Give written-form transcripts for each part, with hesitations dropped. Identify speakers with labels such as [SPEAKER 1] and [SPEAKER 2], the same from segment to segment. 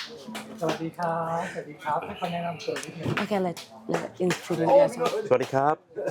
[SPEAKER 1] สวัสดีครับสวัสดีครับให้เขาแนะนำตัวนิดนึง
[SPEAKER 2] Okay, let introduce yourself.
[SPEAKER 3] สวัสดีครับ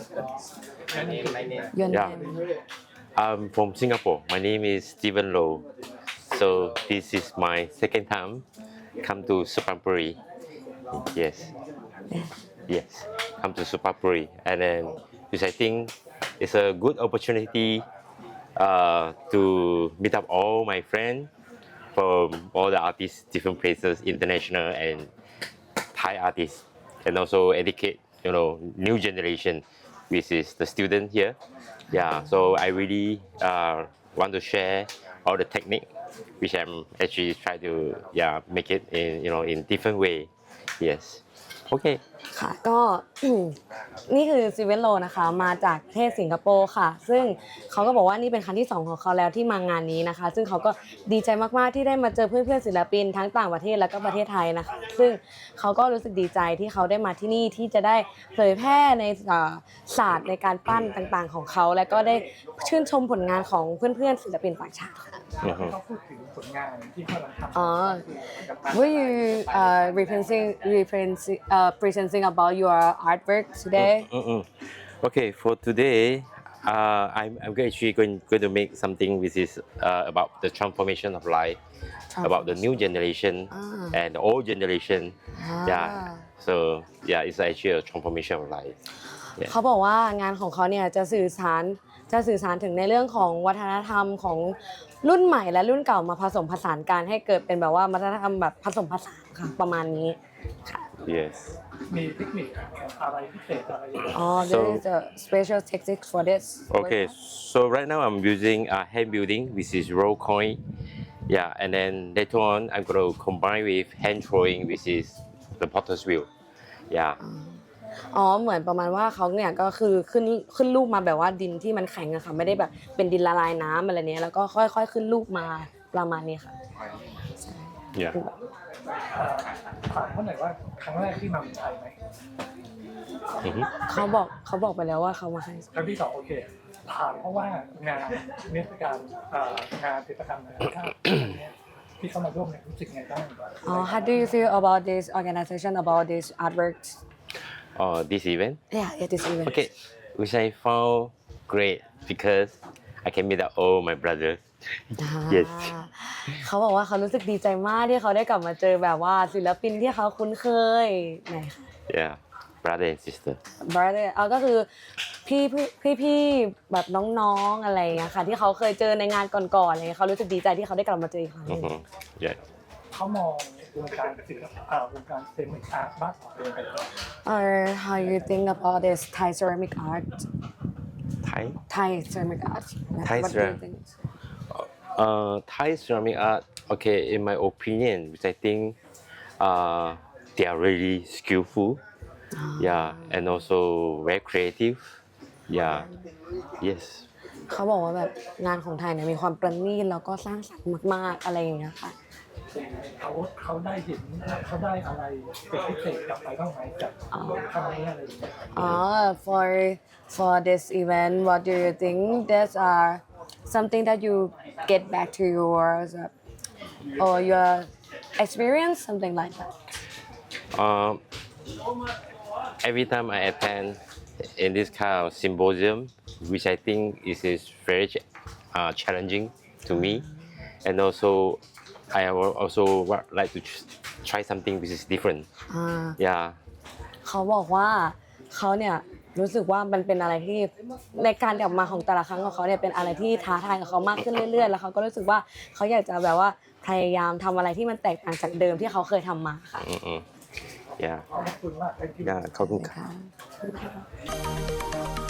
[SPEAKER 2] Your
[SPEAKER 3] Yeah.
[SPEAKER 2] name.
[SPEAKER 3] I'm from Singapore. My name is Stephen Low. So this is my second time come to Supapuri. Yes. Yes. Come to Supapuri. And then which I think it's a good opportunity to meet up all my friends from all the artists, different places, international and Thai artists, and also educate new generation, which is the student here. Yeah, so I really want to share all the technique, which I'm actually try to make it in different way. Yes. Okay.
[SPEAKER 2] ค่ะก็ นี่คือซีเวนโลนะคะมาจากประเทศสิงคโปร์ค่ะซึ่งเขาก็บอกว่านี่เป็นครั้งที่2ของเขาแล้วที่มางานนี้นะคะซึ่งเขาก็ดีใจมากๆที่ได้มาเจอเพื่อนๆศิลปินทั้งต่างประเทศแล้วก็ประเทศไทยนะคะซึ่งเขาก็รู้สึกดีใจที่เขาได้มาที่นี่ที่จะได้เผยแพร่ในศาสตร์ในการปั้นต่างๆของเขาและก็ได้ชื่นชมผลงานของเพื่อนๆศิลปินต่างชาติค่ะ
[SPEAKER 1] เขาพูดถึงผลงานที่เขากำลังทำ
[SPEAKER 2] Will you presenting about your artwork today?
[SPEAKER 3] Okay, for today, I'm actually going to make something which is about the transformation of life, about the new generation and the old generation. Yeah. So yeah, it's actually a transformation of life.
[SPEAKER 2] เขาบอกว่างานของเขาเนี่ยจะสื่อสารถึงในเรื่องของวัฒนธรรมของรุ่นใหม่และรุ่นเก่ามาผสมผสานกันให้เกิดเป็นแบบว่าวัฒนธรรมแบบผสมผสานค่ะประมาณนี้ค่ะ
[SPEAKER 3] Yes.
[SPEAKER 1] มีเทคนิคอะไรพิเศษอะไรอย่างเงี้ย
[SPEAKER 2] Oh, there is a special technique for this.
[SPEAKER 3] Okay, so right now I'm using hand building, which is roll coin. Yeah, and then later on I'm going to combine with hand throwing, which is the potter's wheel. Yeah.
[SPEAKER 2] อ๋อเหมือนประมาณว่าเขาเนี่ยก็คือขึ้นรูปมาแบบว่าดินที่มันแข็งอะค่ะไม่ได้แบบเป็นดินละลายน้ำอะไรเนี้ยแล้วก็ค่อยๆขึ้นรูปมาประมาณนี้ค่ะ
[SPEAKER 3] Yeah.
[SPEAKER 1] ถามเขาหน่อยว่าครั้งแรกที่มาเมืองไทยไหม
[SPEAKER 2] เขาบอกไปแล้วว่าเขามาให้
[SPEAKER 1] ครั้งที่2โอเคถามเพราะว่างานเทศกาลงานศิลปกรรมนานาชาติที่เขามาร่วมเนี่ยรู้สึกไงบ้าง
[SPEAKER 2] How do you feel about this organization about this artworks?
[SPEAKER 3] This event.
[SPEAKER 2] Yeah, this event.
[SPEAKER 3] Okay, which I found great because I can meet up all my brothers. Yes.
[SPEAKER 2] เขาบอกว่าเขารู้สึกดีใจมากที่เขาได้กลับมาเจอแบบว่าศิลปินที่เขาคุ้นเคยไหนคะ
[SPEAKER 3] Yeah, brother and sister.
[SPEAKER 2] brother ก็คือพี่แบบน้องๆอะไรอย่างเงี้ยค่ะที่เขาเคยเจอในงานก่อนๆอะไรเงี้ยเขารู้สึกดีใจที่เขาได้กลับมาเจออีกครั้งหนึ่ง
[SPEAKER 3] Yeah.
[SPEAKER 1] เขามองวงการศิลปะวงการเซรามิกอาร์ตบ้านของตัวเองเป็นยังไง
[SPEAKER 2] Or how you think about this Thai ceramic art?
[SPEAKER 3] Thai
[SPEAKER 2] ceramic art.
[SPEAKER 3] Thai
[SPEAKER 2] What do you think?
[SPEAKER 3] Thai ceramic art. Okay, in my opinion, which I think they are really skillful. Yeah, and also very creative. Yeah. Yes.
[SPEAKER 2] เขาบอกว่าแบบงานของไทยเนี่ยมีความประณีตแล้วก็สร้างสรรค์มากๆอะไรอย่างเงี้ยค่ะ
[SPEAKER 1] เขาได้เห็นเขาได้อะไรเป็นพิเศษกลับไปบ้างไหมจากครั้งนี้อะไรอย่างเงี้ย
[SPEAKER 2] For this event, what do you think? There's something that you get back to your or your experience, something like that.
[SPEAKER 3] Every time I attend in this kind of symposium, which I think is very challenging to me, and also I also like to try something which is different. Yeah.
[SPEAKER 2] เขาบอกว่าเขาเนี่ยรู้สึกว่ามันเป็นอะไรที่ในการกลับมาของแต่ละครั้งของเขาเนี่ยเป็นอะไรที่ท้าทายกับเขามากขึ้นเรื่อยๆแล้วเขาก็รู้สึกว่าเขาอยากจะแบบว่าพยายามทำอะไรที่มันแตกต่างจากเดิมที่เขาเคยทำมาค่ะ
[SPEAKER 3] Yeah.
[SPEAKER 1] ขอบคุณมาก
[SPEAKER 3] Yeah. ขอบคุณครับ